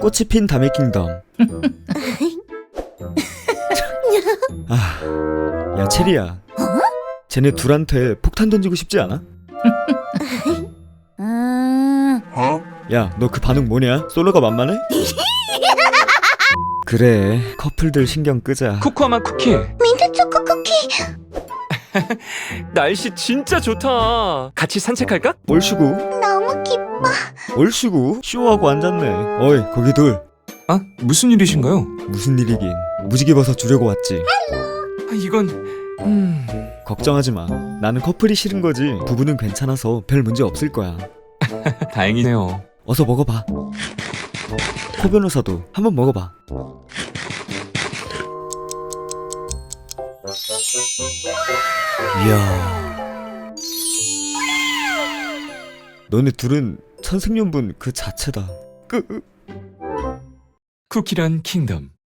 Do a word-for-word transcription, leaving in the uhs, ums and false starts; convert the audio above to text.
꽃이 핀 다메 킹덤. 아, 야 체리야. 쟤네 둘한테 폭탄 던지고 싶지 않아? 야, 너 그 반응 뭐냐? 솔로가 만만해? 그래, 커플들 신경 끄자. 코코아맛 쿠키. 민트 초코 쿠키. 날씨 진짜 좋다. 같이 산책할까? 얼씨구, 너무 기뻐. 얼씨구. 쇼하고 앉았네. 어이, 거기 둘. 아, 무슨 일이신가요? 무슨 일이긴. 무지개 버섯 주려고 왔지. 아, 이건... 음... 걱정하지 마. 나는 커플이 싫은 거지. 부부는 괜찮아서 별 문제 없을 거야. 다행이네요. 어서 먹어봐. 코 변호사도 한번 먹어봐. 이야, 너네 둘은 천생연분 그 자체다. 끄. 쿠키란 킹덤.